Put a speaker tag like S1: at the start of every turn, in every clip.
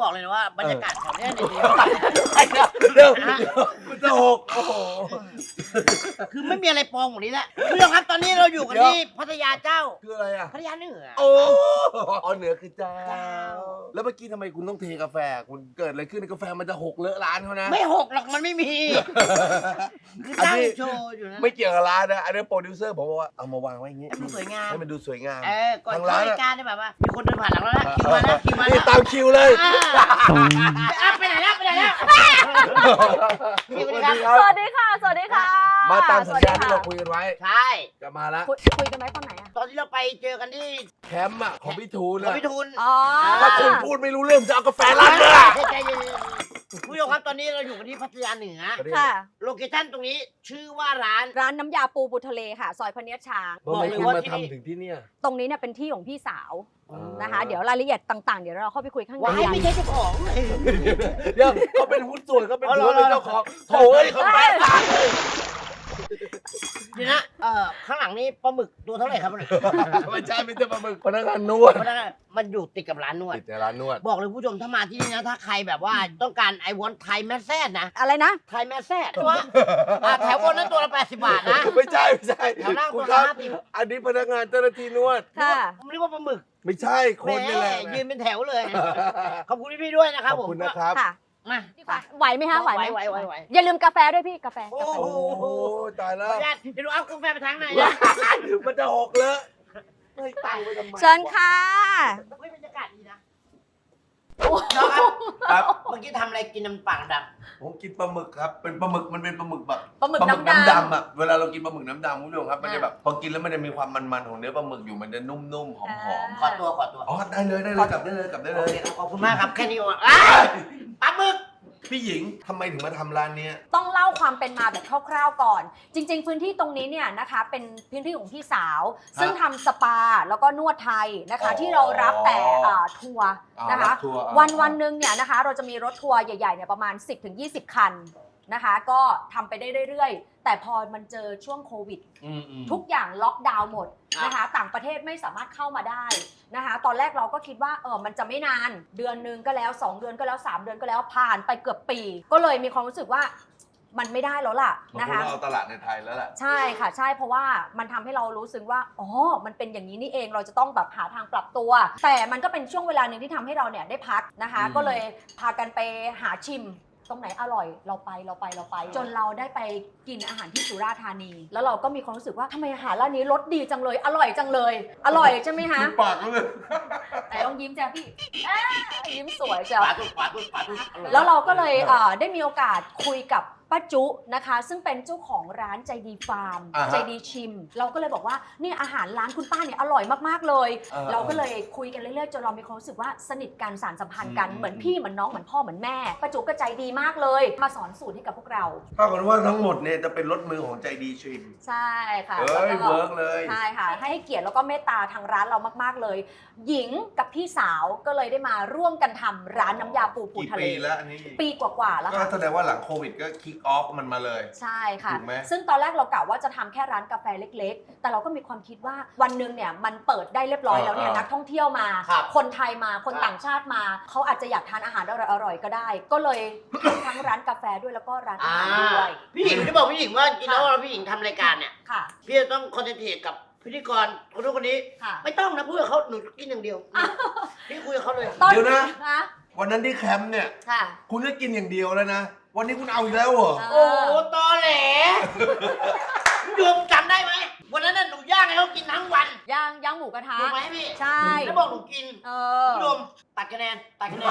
S1: บอกเลยนะว่าบรรยากาศแถวเนี้ยดี
S2: เดี๋ยวมันจะหกโอ้โห
S1: คือไม่มีอะไรปองกว่านี้แล้วคุณผู้ชมครับตอนนี้เราอยู่กันที่พัทยาเจ้า
S2: คืออะไรอ่ะ
S1: พัทยาเหนือ
S2: โอ้เอาเหนือคือเจ้า
S1: เจ้า
S2: แล้วเมื่อกี้ทำไมคุณต้องเทกาแฟคุณเกิดอะไรขึ้นกาแฟมันจะหกเลอะร้านเขานะ
S1: ไม่หกหรอกมันไม่มี คือตั้งโชว์อยู่นะ
S2: ไม่เกี่ยวกับร้านนะอันนี้โปรดิวเซอร์ผมบอกว่าเอามาวางไว้อย่างงี้
S1: ให้มันสวยงาม
S2: ให้มันดูสวยงาม
S1: ก่อน
S2: ทาง
S1: เข้า
S2: ร้าน
S1: รายการเนี่ยแบบว่ามีคนเดินผ่านหลังแล้วนะคิวมาแล้วคิวมาแล้
S2: นี่
S1: ว
S2: ตามคิวเลย
S1: ไปไหนแล้วไปไหนแล้วสวัสดีครับ
S3: สวัสดีค่ะ สวัสดีค่ะ
S2: มาตามสัญญาที่เราคุยกันไว้
S1: ใช่
S2: จะมาแล้ว
S3: คุยกันไว้ตอนไหนอะ
S1: ตอนที่เราไปเจอกันที่
S2: แคมป์อ่ะของพี่ทูน
S1: ของ
S2: อ่ะ
S1: พี่ทุน
S3: อ๋อ
S2: ถ้าคุณพูดไม่รู้เรื่องจะเอากาแฟร้านเลยอะ
S1: ใจเย็นๆผู้ชมครับตอนนี้เราอยู่กันที่พัทยาเหนือ
S3: ค่ะ
S1: โลเคชั่นตรงนี้ชื่อว่าร้าน
S3: ร้านน้ำยาปูทะเลค่ะ ซอยพเนียดช้าง
S2: ทำไมคุณ
S1: บอกเลยว่า
S2: มา
S1: ที่
S2: ทำถึงที่เนี่ย
S3: ตรงนี้เนี่ยเป็นที่ของพี่สาวนะคะ เดี๋ยวรายละเอียดต่างๆ เดี๋ยวเราเข้าไปคุยข้างใน
S1: ว้ายไม่ใช่เจ้าของ
S2: เดี๋ยวเขาเป็นหุ้นส่วนเขาเป็น
S1: อ๋อเหร
S2: ผู้
S1: อ
S2: เป็นเจ้าของโถ่เอ้ยเขาแฝงร้านเลย
S1: เดี๋ยวนะข้างหลังนี้ปลาหมึกตัวเท่าไหร่ครับเนี่ย
S2: ไม่ใช่ไม่ใช่ปลาหมึกพนักงานนวด
S1: เพราะฉะนั้นมันอยู่ติดกับร้านนวด
S2: ติดในร้านนวด
S1: บอกเลยผู้ชมถ้ามาที่นี่นะถ้าใครแบบว่าต้องการไอวอนไทยแมสแซดนะ
S3: อะไรนะ
S1: ไทยแมสแซดตัวแถวบนนั้นตัวละ80 บาทนะ
S2: ไม่ใช่ไม่ใช่
S1: แถวล่าง
S2: คุ
S1: ตั
S2: ณ
S1: ว
S2: ค
S1: ละ
S2: รับ
S1: 50
S2: อันนี้พนักงานเจ้าหน้าที่นวด
S3: ค่ะ
S1: ผมเรียกว่าปลาหมึก
S2: ไม่ใช่คนนี่แหละ
S1: แหมยืนเป็นแถวเลย ขอบคุณพี่ๆด้วยนะครับ
S2: ขอบ
S1: ผม
S2: คุณนะครับ
S3: ค่ะ
S1: มา
S3: ไหวไหมคะ ไหวไหม
S1: ไหว
S3: อย่าลืมกาแฟด้วยพี่ กาแฟ
S1: โอ้
S3: กาแฟ
S1: โห
S2: โอ้ตาย
S1: ข
S2: แล้
S1: อ
S2: ว
S1: อนุญาตเดี๋ยวดูเอากาแฟไปทางไหน
S2: ว้า
S1: นะ
S2: ยมันจะหกเลยไม่ตั้งไว้ทำไม
S3: เชิญค่ะ
S1: เฮ้ยบรรยากาศดีนะน้องครับ
S2: ครับ
S1: เมื่อกี้ทำอะไรกินน้ำปากด
S2: ผมกินปลาหมึกครับเป็นปลาหมึกมันเป็นปลาหมึกแบบ
S3: ปลาหมึกน้ำดำ
S2: ดำอ่ะเวลาเรากินปลาหมึกน้ำดำคุณผู้ชมครับมันจะแบบพอกินแล้วมันจะมีความมันๆของเนื้อปลาหมึกอยู่มันจะนุ่มๆหอม
S1: ำขอตัว
S2: ๆอ๋อได้เลยกลับได้เลยกลับได้เล
S1: โอย เคครับขอบคุณมากครับแค่นี้ก่อนอ้าวปลาหมึก
S2: พี่หญิงทำไมถึงมาทำร้านเนี้ย
S3: ต้องเล่าความเป็นมาแบบคร่าวๆก่อน จริง ๆ พื้นที่ตรงนี้เนี่ยนะคะเป็นพื้นที่ของพี่สาว ซึ่งทำสปาแล้วก็นวดไทยนะคะ
S2: อ๋อ
S3: ที่เรารับแต่ทัวร์นะคะ
S2: รับทัวร์
S3: วันหนึ่งเนี่ยนะคะเราจะมีรถทัวร์ใหญ่ๆเนี่ยประมาณ 10-20 คันนะคะ ก็ทำไปได้เรื่อยๆ แต่พอมันเจอช่วงโควิด ทุกอย่างล็อกดาวน์หมดนะคะต่างประเทศไม่สามารถเข้ามาได้นะคะตอนแรกเราก็คิดว่ามันจะไม่นานเดือนนึงก็แล้ว2 เดือนก็แล้ว3 เดือนก็แล้วผ่านไปเกือบปี ก็เลยมีความรู้สึกว่ามันไม่ได้แล้วล่ะ
S2: นะ
S3: นะคะ คะ
S2: เอาตลาดในไทยแล้วแหละ
S3: ใช่ค่ะใช่เพราะว่ามันทำให้เรารู้สึกว่าอ๋อมันเป็นอย่างนี้นี่เองเราจะต้องแบบหาทางปรับตัว แต่มันก็เป็นช่วงเวลาหนึ่งที่ทำให้เราเนี่ยได้พักนะคะ ก็เลยพากันไปหาชิม ตรงไหนอร่อยเราไปจนเราได้ไปกินอาหารที่สุราษฎร์ธานี แล้วเราก็มีความรู้สึกว่าทำไมอาหารร้านนี้รสดีจังเลยอร่อยจังเลย อร่อยใช่ไหมคะ
S2: ปากเลย
S3: แต่ต้องยิ้มจ้ะพี่ยิ้มสวยจ้ะ
S1: ปลาตุ๊ก
S3: แล้วเราก็เลยได้มีโอกาสคุยกับป้าจุนะคะ ซึ่งเป็นเจ้าของร้านใจดีฟาร์ม
S2: อ่าฮะ
S3: ใจดีชิม เราก็เลยบอกว่านี่อาหารร้านคุณป้าเนี่ยอร่อยมากๆเลย เราก็เลยคุยกันเรื่อยๆจนเรามีความรู้สึกว่าสนิทกันสานสัมพันธ์กันเหมือนพี่เหมือนน้องเหมือนพ่อเหมือนแม่ป้าจุก็ใจดีมากเลย มาสอนสูตรให้กับพวกเรา
S2: ถ้ากันว่าทั้งหมดเนี่ยจะเป็นรถมือของใจดีชิม
S3: ใช่ค่ะ
S2: เอ้ย
S3: แล้วก็
S2: เวิร์กเลย
S3: ใช่ค่ะให้เกียรติแล้วก็เมตตาทางร้านเรามากๆเลย หญิงกับพี่สาวก็เลยได้มาร่วมกันทำร้านน้ำยาปู
S2: กี่
S3: ทะเล
S2: ปีแล้วอันนี้
S3: ปีกว่าๆแล้ว
S2: ก็
S3: ค่ะ
S2: แสดงว่าหลังโควิดก็คิกออฟมันมาเลย
S3: ใช่ค่ะ
S2: ถูกไหม
S3: ซึ่งตอนแรกเรากะว่าจะทำแค่ร้านกาแฟเล็กๆ แต่เราก็มีความคิดว่าวันหนึ่งเนี่ยมันเปิดได้เรียบร้อยแล้วเนี่ยนักท่องเที่ยวมา คนไทยมาคนต่างชาติมาเขาอาจจะอยากทานอาหารอร่อยๆก็ได้ ก็เลยทำทั้งร้านกาแฟด้วยแล้วก็ร้านอาหารด้วย
S1: พี่หญิงที่บอกพี่หญิงว่าจริงแล้วเราพี่หญิงทำรายการเนี่ย
S3: ค่ะ
S1: พี่จะต้องคอนเซนเทรตกับพิธีกรคนนู้นคนนี้
S3: ค่ะ
S1: ไม่ต้องนะพูดกับเขาหนูกินอย่างเดียวพี่คุยกับเขาเลย
S3: ตอน
S2: เดี๋ยวนะ
S3: ฮะ
S2: วันนั้นที่แคมป์เนี่ย
S3: ค่ะ
S2: คุณก็กินอย่างเดียวแล้วนะ วันนี้คุณเอาอีกแล้วเหรอ
S1: โอ้โหตอแหลโยมจำได้ไหมวันนั้นน่ะหนูย่างให้เขากินทั้งวัน
S3: ย่างหมูกระทะ
S1: ถูกไหมพี่
S3: ใช่
S1: แล้วบอกหนูกิน
S3: เออ
S1: ผู้ชมตัดคะแนน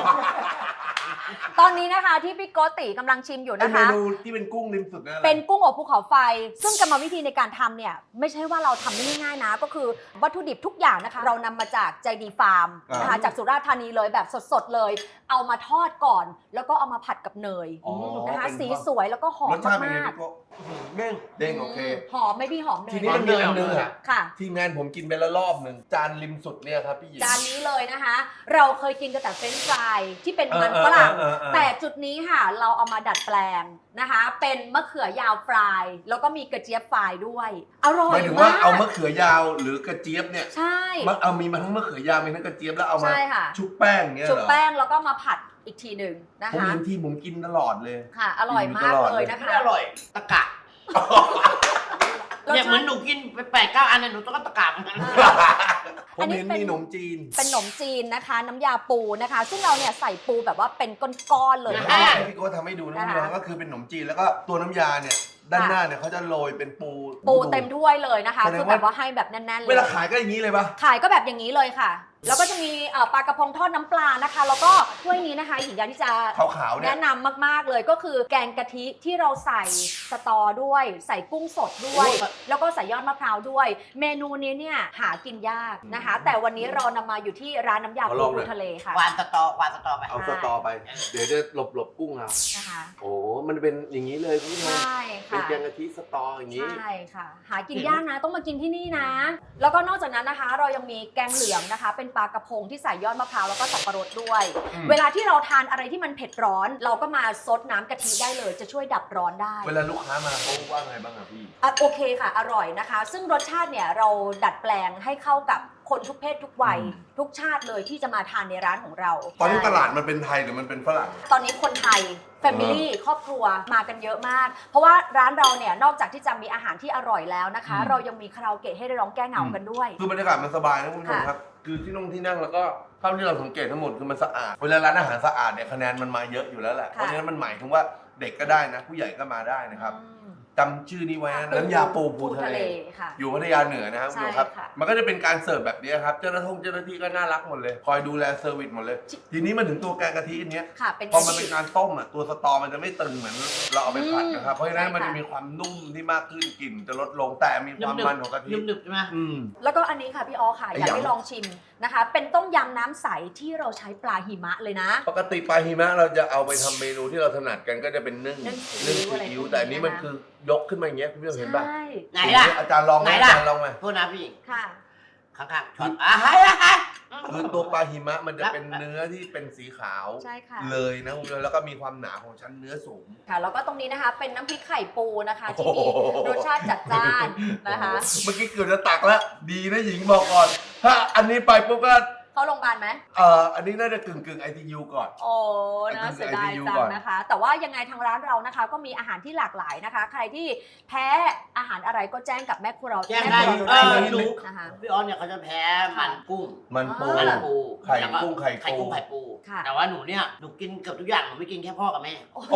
S3: ตอนนี้นะคะที่พี่โกติกำลังชิมอยู่
S2: ไอ้
S3: นะ
S2: เม
S3: คะ
S2: นูที่เป็นกุ้งริมสุดนั่นแหละ
S3: เป็นกุ้งอบภูเขาไฟ ซึ่งกรรมวิธีในการทำเนี่ยไม่ใช่ว่าเราทำได้ง่ายๆนะ ก็คือวัตถุดิบทุกอย่างนะคะ เรานำมาจากใจดีฟาร์มนะคะจากสุราษฎร์ธานีเลยแบบสดๆเลย เอามาทอดก่อน แล้วก็เอามาผัดกับเนย
S2: อ๋อ
S3: นะคะ
S2: เป็น
S3: สีสวยแล้วก็หอ
S2: ร
S3: ม
S2: สชาติเป็นไง
S3: มาก
S2: พี่โก้เด้งโอเค
S3: หอมไหม่พี่หอมเนย
S2: ทีนี้มันมีอันนึงอะ
S3: ค่ะ
S2: ทีมงานผมกินไปแล้วรอบนึงนึ่งจานริมสุดเนี่ยครับพี่หญิง
S3: จานนี้เลยนะคะ เราเคยกินกันแต่เฟรนช์ฟรายที่เป็นมันฝรั่ง แต่จุดนี้ค่ะเราเอามาดัดแปลงนะคะ เป็นมะเขือยาวฟรายแล้วก็มีกระเจี๊ยบฟรายด้วยอร่อย
S2: หมายถึงว่าเอามะเขือยาวหรือกระเจี๊ยบเนี่ย
S3: ใช่
S2: เอามีมาทั้งมะเขือยาวมีทั้งกระเจี๊ยบแล้วเอามา
S3: ใช่ค่ะ
S2: ชุบแป้งเนี่ยเหรอ
S3: ชุบแป้งแล้วก็มาผัดอีกทีหนึ่งนะ
S2: ผม
S3: คะ
S2: เห็นที่ผมกินตลอดเลย
S3: ค่ะ อร่อยมากเลยนะ
S1: ไม่
S3: คะ
S1: ได้อร่อยตะกะเนี่ยเหมือนหนูกินไป8-9 อันเนี่ยหนูต้องก็ตะกะเหมือนกัน
S2: ผมเห็นมีขนมจีน
S3: เป็นขนมจีนนะคะ น้ำยาปูนะคะ ซึ่งเราเนี่ยใส่ปูแบบว่าเป็นก้อนๆเลย
S2: เดี๋ยว
S3: นะ
S2: ให้
S3: คะ
S2: พี่โก้ทำให้ดูนะคุณผู้ชมก็คือเป็นขนมจีนแล้วก็ตัวน้ำยาเนี่ยด้านหน้าเนี่ยเขาจะโรยเป็นปู
S3: ปูเต็มถ้วยเลยนะคะ
S2: แสดงว่า
S3: คือแบบว่าให้แบบแน่นๆเลย
S2: เวลาขายก็อย่างนี้เลยปะ
S3: ขายก็แบบอย่างนี้เลยค่ะ แล้วก็จะมีปลากระพงทอดน้ำปลานะคะ แล้วก็ถ้วยนี้นะคะหญิงอยากที่จะ
S2: ขาวๆเนี่ย
S3: แนะนำมากๆเลยก็คือแกงกะทิที่เราใส่สตอด้วย ใส่กุ้งสดด้วย แล้วก็ใส่ยอดมะพร้าวด้วย เมนูนี้เนี่ยหากินยากนะคะ แต่วันนี้เรานำมาอยู่ที่ร้านน้ำยาปูปูทะเลค่ะ
S1: ควานสตอไป
S2: เอาสตอไป เดี๋ยวจะหลบกุ้งเอา
S3: นะคะ
S2: โอ้มันเป็นอย่างนี้เลยคุณผู้ชม
S3: ใช่
S2: เป็น
S3: ค่ะ
S2: แกงกะทิสตออย่างนี้
S3: ใช่ค่ะ หากินยากนะต้องมากินที่นี่นะ แล้วก็นอกจากนั้นนะคะ เรายังมีแกงเหลืองนะคะ เป็นปลากระพงที่ใส่ยอดมะพร้าวแล้วก็สับปะรดด้วย
S2: อืม
S3: เวลาที่เราทานอะไรที่มันเผ็ดร้อน เราก็มาซดน้ำกะทิได้เลย จะช่วยดับร้อนได้
S2: เวลาลูกค้ามาเขาว่าไงบ้างอะพี่
S3: โอเคค่ะ อร่อยนะคะ ซึ่งรสชาติเนี่ยเราดัดแปลงให้เข้ากับคนทุกเพศทุกวัย ทุกชาติเลยที่จะมาทานในร้านของเรา
S2: ตอนนี้ตลาดมันเป็นไทยหรือมันเป็นฝรั่ง
S3: ตอนนี้คนไทยแฟมิลี่ครอบครัวมากันเยอะมาก เพราะว่าร้านเราเนี่ยนอกจากที่จะมีอาหารที่อร่อยแล้วนะคะ
S2: อืม
S3: เรายังมีคาราโอเกะให้ได้ร้องแก้เหงากันด้วย
S2: คือบรรยากาศมันสบายนะคุณผู้ชมครับ คือที่นั่งแล้วก็เท่าที่เราสังเกตทั้งหมดคือมันสะอาด เวลาร้านอาหารสะอาดเนี่ยคะแนนมันมาเยอะอยู่แล้วแหละ เพราะฉะนั้นมันหมายถึงว่าเด็กก็ได้นะ ผู้ใหญ่ก็มาได้นะครับ จำชื่อนี้ไว้นะน้ำยาปูภูทะเล
S3: ค่ะ
S2: อยู่พัทยาเหนือนะครับคุณผู้ชมครับ
S3: ใช่ค่ะ
S2: มันก็จะเป็นการเสิร์ฟแบบนี้ครับ เจ้าหน้าที่ก็น่ารักหมดเลย คอยดูแลเซอร์วิสหมดเลย ทีนี้มันถึงตัวแกงกะทิอันเนี้ย
S3: ค่ะ เป็น
S2: พอมันเป็นการต้มอ่ะตัวสตอมันจะไม่ตึงเหมือนเราเอาไปผัดนะครับ เพราะฉะนั้น
S3: ใช่ค่ะ
S2: มันจะมีความนุ่มที่มากขึ้นกลิ่นจะลดลงแต่มีความมันของกะทิ
S1: หนึบๆใช่ไหม
S2: อืม
S3: แล้วก็อันนี้ค่ะพี่อ๋อค่ะ
S2: ไอ้
S3: อยากให้
S2: ยำ
S3: ลองชิมนะคะ เป็นต้มยำน้ำใสที่เราใช้ปลาหิมะเลยนะ
S2: ปกติปลาหิมะเราจะเอาไปทำเมนูที่เราถนัดกันก็จะเป็นนึ่ง
S3: นึ่งซี
S2: นึ่ง
S3: อิ๊ว
S2: ซี
S3: อะไร
S2: อิ๊ว
S3: พวกนี้
S2: แต่อันนี้มัน
S3: นะคะ
S2: คือยกขึ้นมาอย่างเงี้ยคุณผู้ชมเห็นป่ะ
S3: ใช่
S1: ไหนล่ะ
S2: อาจารย์ลองไหม
S1: ไหน
S2: อา
S1: ล่ะ
S2: จารย์ลองไหม
S1: โทษนะพี่หญิง
S3: ค่ะ
S1: ข้างๆช็อตฮะ
S2: คือตัวปลาหิมะมันจะเป็นเนื้อที่เป็นสีขาว
S3: ใช่ค่ะ
S2: เลยนะคุณผู้ชมแล้วก็มีความหนาของชั้นเนื้อสูง
S3: ค่ะ แล้วก็ตรงนี้นะคะ เป็นน้ำพริกไข่ปูนะคะ ที่
S2: โอ้
S3: มี
S2: โห
S3: รสชาติจัดจ้านนะคะ
S2: เมื่อกี้เกือบจะตักแล้ว ดีนะหญิงบอกก่อน ถ้าอันนี้ไปปุ๊บก็
S3: เข้าโรงพยาบาลไหม
S2: อันนี้น่าจะกึ่ง ITU ก่อน
S3: โอ้น่าเสียดาย
S2: ITU
S3: จั
S2: ก่
S3: ง
S2: อน
S3: นะคะ แต่ว่ายังไงทางร้านเรานะคะ ก็มีอาหารที่หลากหลายนะคะ ใครที่แพ้อาหารอะไรก็แจ้งกับแม่ครัวเรา
S1: แจ้งได้
S3: แม่ครัวเราได้เลย
S1: รู้
S3: นะคะ
S1: พี่ออนเนี่ยเขาจะแพ้มันกุ้ง
S2: มันปู
S3: อ่า
S1: มันปู
S2: ไข่
S1: แล้วก็
S2: กุ้งไข่ปู
S1: ไข่กุ้งไข่ปู
S3: ค่ะ
S1: แต่ว่าหนูเนี่ยหนูกินเกือบทุกอย่างหนูไม่กินแค่พ่อกับแม่
S2: โอ้โห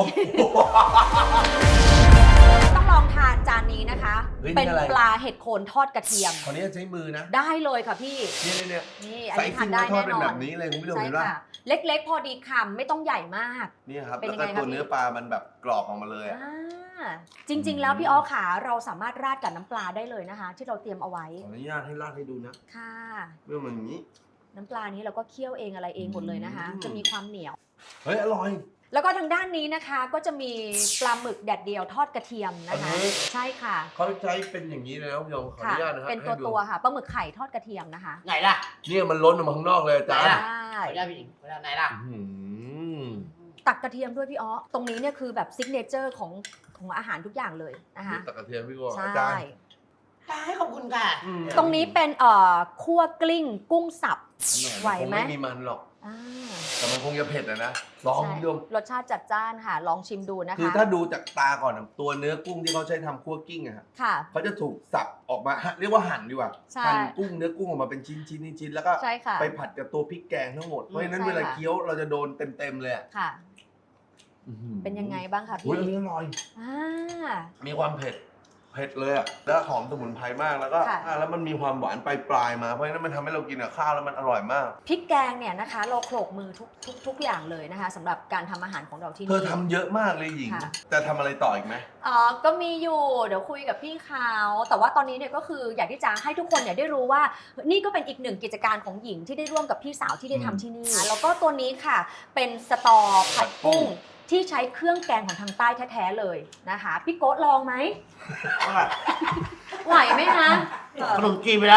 S3: ต้องลองทานจานนี้นะคะ
S2: เฮ้ยนี่
S3: เป็น
S2: อะไร
S3: ปลาเห็ดโคนทอดกระเทียม
S2: ขออนุญาตใช้มือนะ
S3: ได้เลยค่ะพี่
S2: เนี่ย
S3: นี่อัน
S2: ใส่
S3: นี้ทา
S2: ซิ่
S3: น
S2: ง
S3: ได้
S2: แล้วทอด
S3: แน่
S2: เป็น
S3: นอ
S2: แบ
S3: น
S2: บนี้เลยคุณผู้ชม
S3: ใช่
S2: เห็นป่ะ
S3: ค่ะ เล็กๆ พอดีคำไม่ต้องใหญ่มาก
S2: นี่ครับ
S3: เป็น
S2: แล้ว
S3: ยัง
S2: ก็
S3: ไง
S2: ตัว
S3: คะพี่
S2: เนื้อปลามันแบบกรอบออกมาเลยอะ
S3: จริง ๆ แล้วพี่อ้อขาเราสามารถราดกับน้ำปลาได้เลยนะคะ ที่เราเตรียมเอาไว้
S2: ขออนุญาตให้ราดให้ดูนะ
S3: ค่ะ
S2: เรื่องมันอย่างนี้
S3: น้ำปลานี้เราก็เคี่ยวเองอะไรเองหมดเลยนะคะ
S2: อืม
S3: จะมีความเหนียว
S2: เฮ้ยอร่อย
S3: แล้วก็ทางด้านนี้นะคะก็จะมีปลาหมึกแดดเดียวทอดกระเทียมนะคะ
S2: อันนี้
S3: ใช่ค่ะ
S2: เขาใช้เป็นอย่างนี้เลยนะคุณผู้ชมขออ
S3: ค่ะ
S2: นุญาตนะครับ
S3: เป็น
S2: ให้ดู
S3: ตัวๆค่ะปลาหมึกไข่ทอดกระเทียมนะคะ
S1: ไหนล่ะ
S2: เนี่ยมันล้นออกมาข้างนอกเลยอาจารย์
S1: ไหนล่ะ
S3: ใช่
S1: ขออนุญาตพี่หญิงขออนุญาตไหนล่ะ
S2: อื้อหือ
S3: ตักกระเทียมด้วยพี่อ้อตรงนี้เนี่ยคือแบบซิกเนเจอร์ของอาหารทุกอย่างเลยนะคะ
S2: ตะกระเทียมพี่โก้
S3: ใช่
S2: อาจารย์
S1: ได้ขอบคุณค่ะ
S3: ตรงนี้เป็นคั่วกลิ้งกุ้งสับ ไหวไหม
S2: คงไม่มีมันหรอก
S3: อ่า
S2: แต่มันคงจะเผ็ดอะนะลอง
S3: ใช่
S2: คุณผู้ชม
S3: รสชาติจัดจ้านค่ะ ลองชิมดูนะคะ
S2: คือถ้าดูจากตาก่อนอะตัวเนื้อกุ้งที่เขาใช้ทำคั่วกิ้งอะครับ
S3: ค่ะ
S2: เขาจะถูกสับออกมาเรียกว่าหั่นดีกว่า
S3: ใช่
S2: หั่นกุ้งเนื้อกุ้งออกมาเป็นชิ้นแล้วก็
S3: ใช่ค่ะ
S2: ไปผัดกับตัวพริกแกงทั้งหมด เพราะฉะนั้น
S3: ใช่
S2: เวลา
S3: ค่ะ
S2: เคี้ยวเราจะโดนเต็มเลยอะ
S3: ค่ะ
S2: อื้อหือ
S3: เป็นยังไงบ้างคะ
S2: อุ้
S3: พี่
S2: ยอันนี้อร่อย
S3: อ่า
S2: มีความเผ็ดเลยอะแล้วหอมสมุนไพรมากแล้วก็
S3: ค่ะ
S2: แล้วมันมีความหวานปลายๆมาเพราะฉะนั้นมันทำให้เรากินกับข้าวแล้วมันอร่อยมาก
S3: พริกแกงเนี่ยนะคะ เราโขลกมือทุกอย่างเลยนะคะสำหรับการทำอาหารของเราที่
S2: เธอ
S3: นี่
S2: ทำเยอะมากเลยหญิง
S3: ค่ะ
S2: จะทำอะไรต่ออีกไหม
S3: ก็มีอยู่เดี๋ยวคุยกับพี่เขาแต่ว่าตอนนี้เนี่ยก็คืออยากที่จะให้ทุกคนเนี่ยได้รู้ว่านี่ก็เป็นอีกหนึ่งกิจการของหญิงที่ได้ร่วมกับพี่สาวที่ได้ทำที่นี่แล้วก็ตัวนี้ค่ะเป็นสตอผัดกุ้งที่ใช้เครื่องแกงของทางใต้แท้ๆเลยนะคะพี่โก๊ตลองไหมไหวไหมคะ
S1: ขนมจีนไปแล้ว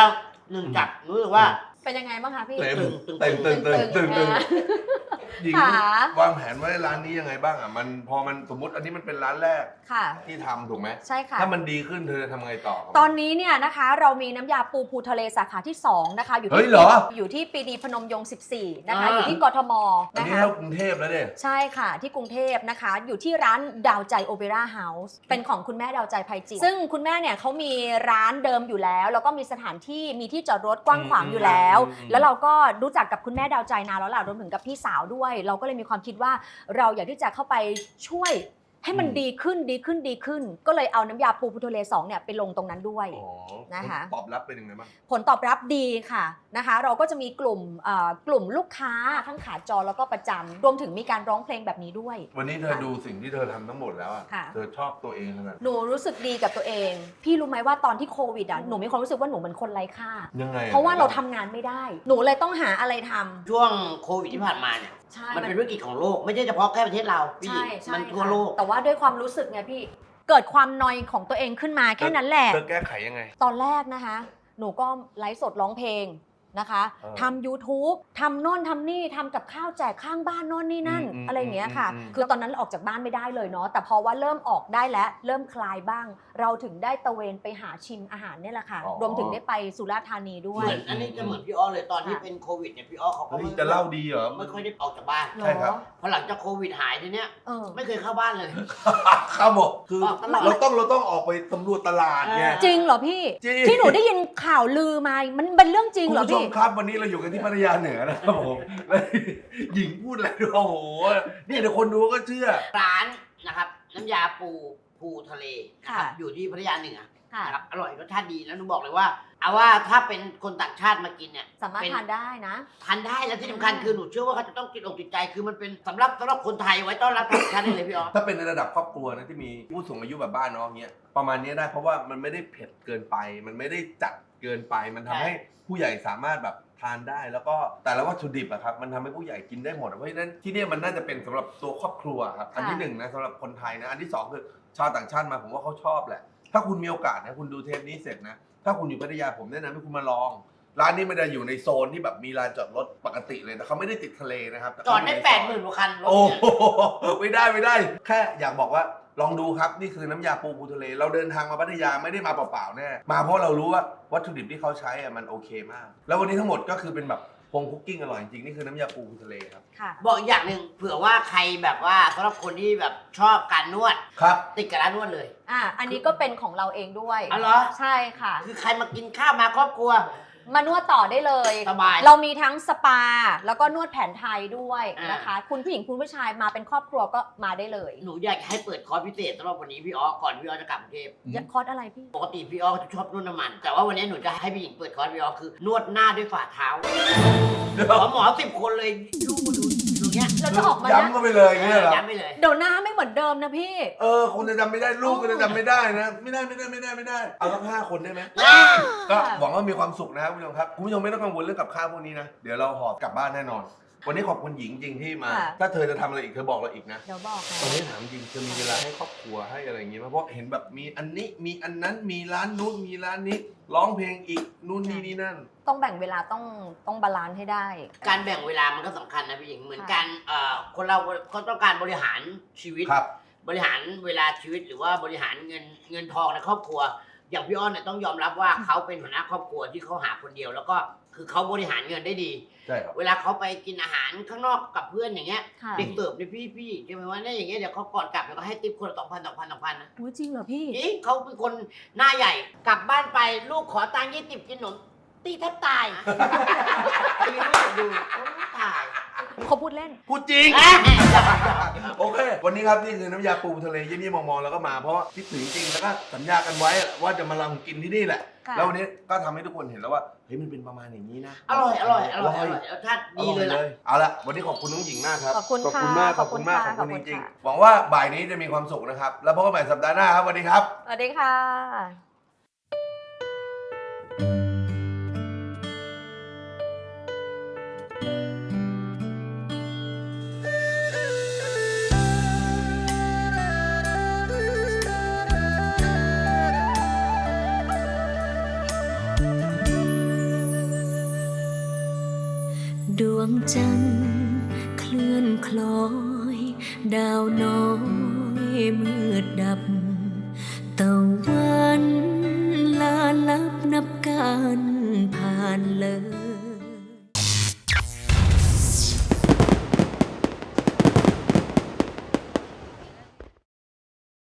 S1: หนึ่งจับรู้สึกว่า
S3: เป็นยังไงบ้างคะพี่
S2: เต็ม
S1: ตึง
S2: เต็มตึงตึงตึงตึงหญิง
S3: ค่ะ
S2: วางแผนไว้ร้านนี้ยังไงบ้างอ่ะมันพอมันสมมติอันนี้มันเป็นร้านแรก
S3: ค่ะ
S2: ที่ทำถูกไหม
S3: ใช่ค่ะ
S2: ถ้ามันดีขึ้นเธอจะทำไงต่อครับ
S3: ตอนนี้เนี่ยนะคะเรามีน้ำยาปูภูทะเลสาขาที่ 2 นะคะ อยู่
S2: เฮ้
S3: ที่
S2: ยเหรอ
S3: อยู่ที่ปรีดีพนมยงค์14 นะคะ อยู่ที่กทม
S2: อัน
S3: นะ
S2: นี้
S3: คะ
S2: เท่ากรุงเทพแล้วเนี่ย
S3: ใช่ค่ะที่กรุงเทพนะคะ อยู่ที่ร้านดาวใจโอเปร่าเฮาส์เป็นของคุณแม่ดาวใจไพจิตรซึ่งคุณแม่เนี่ยเขามีร้านเดิมอยู่แล้ว แล้วก็มีสถานที่มีที่จอดรถกว้างขวางอยู่แล้ว แล้วเราก็รู้จักกับคุณแม่ดาวใจนานแล้วล่ะรวมถึงกับพี่สาวด้วย เราก็เลยมีความคิดว่าเราอยากที่จะเข้าไปช่วยให้มันดีขึ้น ก็เลยเอาน้ำยาปูภูทะเล2เนี่ยไปลงตรงนั้นด้วย
S2: อ๋อ
S3: นะคะ
S2: ตอบรับเป็นยังไงบ้าง
S3: ผลตอบรับดีค่ะนะคะ เราก็จะมีกลุ่มลูกค้าทั้งขาจรแล้วก็ประจำรวมถึงมีการร้องเพลงแบบนี้ด้วย
S2: วันนี้เธอดูสิ่งที่เธอทำทั้งหมดแล้วอ่ะ
S3: ค่ะ
S2: เธอชอบตัวเองขนาด
S3: หนูรู้สึกดีกับตัวเอง พี่รู้ไหมว่าตอนที่โควิดอ่ะหนูมีความรู้สึกว่าหนูเหมือนคนไร้ค่า
S2: ยังไงอ
S3: เพราะว่าเราทำงานไม่ได้ หนูเลยต้องหาอะไรทำ
S1: ช่วงโควิดที่ผ่านมาเนี่ย
S3: ใช่
S1: มันเป็นวิกฤตของโลกไม่ใช่เฉพาะแค่ประเทศเราพี่หญิ
S3: ใช่
S1: ง
S3: ใช่
S1: มันทั่ว
S3: ค่ะ
S1: โลก
S3: แต่ว่าด้วยความรู้สึกไงพี่เกิดความนอยของตัวเองขึ้นมาแค่นั้นแหละ
S2: เธอแก้ไขยังไง
S3: ตอนแรกนะคะ หนูก็ไลฟ์สดร้องเพลงนะคะ ทำ YouTube ทำโน่นทำนี่ทำกับข้าวแจกข้างบ้านโน่นนี่นั่น อะไรอย่างเงี้ยค่ะ คือตอนนั้นออกจากบ้านไม่ได้เลยเนาะ แต่พอว่าเริ่มออกได้แล้ว เริ่มคลายบ้าง เราถึงได้ตะเวนไปหาชิมอาหารเนี่ยแหละค่ะ รวมถึงได้ไปสุราษฎร์ธานีด้ว
S1: เห
S3: ย
S1: มือนอันนี้จะเหมือนพี่อ้อเลยตอนที่เป็นโควิดเนี่ยพี่อ้อเขาก็
S2: เฮ้ยจะเล่าดีเหรอ
S1: ไม่ค่อยได้ออกจากบ้าน
S2: ใช่ครับ
S1: พอหลังจากโควิดหายทีเนี้ย
S3: เออ
S1: ไม่เคยเข้าบ้านเลย
S2: ครับผมคือ
S1: ออกตลอด
S2: เราต้องออกไปสำรวจตลาดไง
S3: จริงเหรอพี่
S2: จริง
S3: ที่หนูได้ยินข่าวลือมา มันเป็นเรื่องจริง
S2: คุณ
S3: เหรอ
S2: ผู้ช
S3: พี่
S2: มครับวันนี้เราอยู่กันที่พัทยาเหนือนะครับผมแล้วหญิงพูดอะไรด้วยโอ้โหนี่เดี๋ยวคนดูก็เชื่อ
S1: ร้านนะครับน้ำยาปูภูทะเลนะครับ
S3: ค่ะ
S1: อยู่ที่พัทยาเหนือ
S3: ค่ะ
S1: นะครับอร่อยรสชาติดีแล้วหนูบอกเลยว่าเอาว่าถ้าเป็นคนต่างชาติมากินเนี่ย
S3: สามารถ
S1: เป็น
S3: ทานได้นะ
S1: ทานได้แล้วที่สำคัญคือหนูเชื่อว่าเขาจะต้องติดอกติดใจคือมันเป็นสำหรับคนไทยไว้ต้อนรับต่างชาติได้เลยพี่อ๋อ
S2: ถ้าเป็นในระดับครอบครัวนะที่มีผู้สูงอายุแบบบ้านน้องเงี้ยประมาณนี้ได้เพราะว่ามันไม่ได้เผ็ดเกินไป มันไม่ได้จัดเกินไป มันทำให้ผู้ใหญ่สามารถแบบทานได้ แล้วก็แต่ละวัตถุดิบอะครับมันทำให้ผู้ใหญ่กินได้หมดเพราะฉะนั้นที่เนี่ยมันน่าจะเป็นสำหรับตัวครอบครัวครับอันที่หนึ่งนะสำหรับคนไทยนะอันที่สองคือชาวต่างชาติมาผมว่าเขาชอบแหละ ถ้าคุณมีโอกาสนะคุณดูเทปนี้เสร็จนะถ้าคุณอยู่พัทยาผมแนะนำให้คุณมาลอง ร้านนี้มันจะอยู่ในโซนที่แบบมีลานจอดรถปกติเลยแต่เขาไม่ได้ติดทะเลนะครับแต่
S1: จอด
S2: เขา
S1: ได้
S2: ยู่ในซย
S1: 80,000กว่าคันรถ
S2: โอ้
S1: เนี่ย
S2: โหไม่ได้แค่อยากบอกว่าลองดูครับนี่คือน้ำยาปูทะเล เราเดินทางมาพัทยาไม่ได้มาเปล่าๆแน่มาเพราะเรารู้ว่าวัตถุดิบที่เขาใช้อะมันโอเคมาก แล้ววันนี้ทั้งหมดก็คือเป็นแบบโฮมคุกกิ้งอร่อยจริงๆนี่คือน้ำยาปูทะเลครับ
S3: ค่ะ
S1: บอกอีกอย่างหนึ่งเผื่อว่าใครแบบว่าสำหรับคนที่แบบชอบการนวด
S2: ครับ
S1: ติดกับร้านนวดเลย
S3: อันนี้ก็เป็นของเราเองด้วย
S1: อ๋อเหรอ
S3: ใช่ค่ะ
S1: คือใครมากินข้าวมาครอบครัว
S3: มานวดต่อได้เลย
S1: สบาย
S3: เรามีทั้งสปา แล้วก็นวดแผนไทยด้วย
S1: อ่าน
S3: นะคะ คุณผู้หญิงคุณผู้ชายมาเป็นครอบครัวก็มาได้เลย
S1: หนูอยากให้เปิดคอร์สพิเศษสำหรับวันนี้พี่อ๋อก่อนพี่อ๋อจะกลับกรุงเทพ
S3: คอร์สอะไรพี่
S1: ปกติพี่อ๋อจะชอบนวดน้ำมัน แต่ว่าวันนี้หนูจะให้พี่หญิงเปิดคอร์สพี่อ๋อคือนวดหน้าด้วยฝ่าเท้าหมอ10 คนเลยดูอย่างเงี้ย
S3: เราจะออกมานะ
S2: ย้ำก็ไปเลยอย่างเงี้ยเหรอ
S1: ย้ำไปเลย
S3: เดี๋ยวหน้าไม่เหมือนเดิมนะพี่
S2: คนจะจำไม่ได้ลูกก็จะจำไม่ได้นะไม่ได้เอาสัก5 คนได้ไหม ก็หวังว่ามีความสุขนะครับคุณผู้ชมครับคุณผู้ชมไม่ต้องกังวลเรื่องกับข้าวพวกนี้นะเดี๋ยวเราหอบกลับบ้านแน่นอน วันนี้ขอบคุณหญิงจริงที่มา
S3: ค่ะ
S2: ถ้าเธอจะทำอะไรอีกเธอบอกเราอีกนะ
S3: เดี๋ยวบอก
S2: ตอนนี้ถามจริงเธอมีเวลาให้ครอบครัวให้อะไรอย่างงี้ไหมเพราะเห็นแบบมีอันนี้มีอันนั้นมีร้านนู้นมีร้านนี้ร้องเพลงอีกนู่นนี่นั่น
S3: ต้องแบ่งเวลาต้องบาลานซ์ให้ได้
S1: การแบ่งเวลามันก็สำคัญนะพี่หญิงเหมือนกันคนเราเขาต้องการบริหารชีวิต
S2: ครับ
S1: บริหารเวลาชีวิตหรือว่าบริหารเงินทองในครอบครัว อย่างพี่อ้อนเนี่ยต้องยอมรับว่าเขาเป็นหัวหน้าครอบครัวที่เขาหาคนเดียว แล้วก็คือเขาบริหารเงินได้ดี
S2: ใช่ครับ
S1: เวลาเขาไปกินอาหารข้างนอกกับเพื่อนอย่างเงี้ย
S3: ค่ะ
S1: เด็กเสิร์ฟเนี่ยพี่ใช่ไหมว่าเนี่ยอย่างเงี้ยเดี๋ยวเขาก่อนกลับแล้วก็ให้ติ๊บคนละ2,000นะ
S3: อุ๊ยจริงเหรอพี่
S1: จริงเขาเป็นคนหน้าใหญ่กลับบ้านไปลูกขอตังค์20กินขนมตีแทบตายตีลูกดูโอ้ตาย
S3: เขาพูดเล่น
S2: พูดจริง โอเค วันนี้ครับนี่คือน้ำยาปูทะเลเยี่ยมๆมองๆแล้วก็มาเพราะว่าคิดถึงจริงแล้วก็สัญญากันไว้ว่าจะมาลองกินที่นี่แหละ
S3: ค่ะ
S2: แล้ววันนี้ก็ทำให้ทุกคนเห็นแล้วว่าเฮ้ยมันเป็นประมาณอย่างนี้นะ
S1: อร่อยรสชาติดีเลยล่ะ
S2: เอาละวันนี้ขอบคุณน้องหญิงมากครับ
S3: ขอบคุณค่ะ
S2: มาก
S3: ขอบคุณค่ะ
S2: ขอบคุณ
S3: ขอบคุ
S2: จ
S3: ณ
S2: ริง
S3: ค่ะ
S2: ๆหวังว่าบ่ายนี้จะมีความสุขนะครับแล้วพบกันใหม่สัปดาห์หน้าครับสวัสดีครับ
S3: สวัสดีค่ะ
S4: ดวงจันทร์เคลื่อนคล้อยดาวน้อยมืดดับตะวันลาลับนับการ